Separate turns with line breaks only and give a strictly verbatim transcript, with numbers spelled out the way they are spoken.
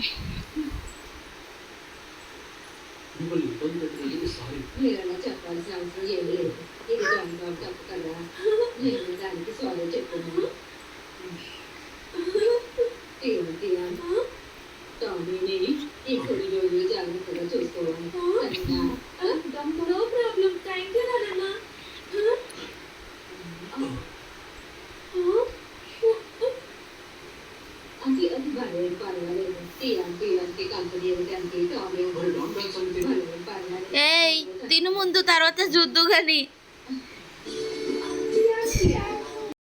మిమ్మల్ని ఇబ్బంది పెట్టినందుకు సారీ.
మీరలా చెప్పాల్సిన అవసరం ఏమీ లేదు. ఇది జాన్ బాబు తప్పు కదా. నేను దానికి సారీ చెప్తున్నాను. ఏమిటి టామీని ఈ కొన్ని రోజులు జాగ్రత్తగా చూసుకోవాలి. సరేనా?
No problem. థ్యాంక్ యూ నాన్న.
అది అది పర్లేదు పర్వాలేదు. టీఆర్పీ ఇలాంటి కంపెనీ ఏమిటంటే టామీ
మరి డాన్ బ్యాగ్ సంగతి?
పర్వాలేదు పర్వాలేదు.
ఏయ్ తిను ముందు తర్వాత చూద్దు కానీ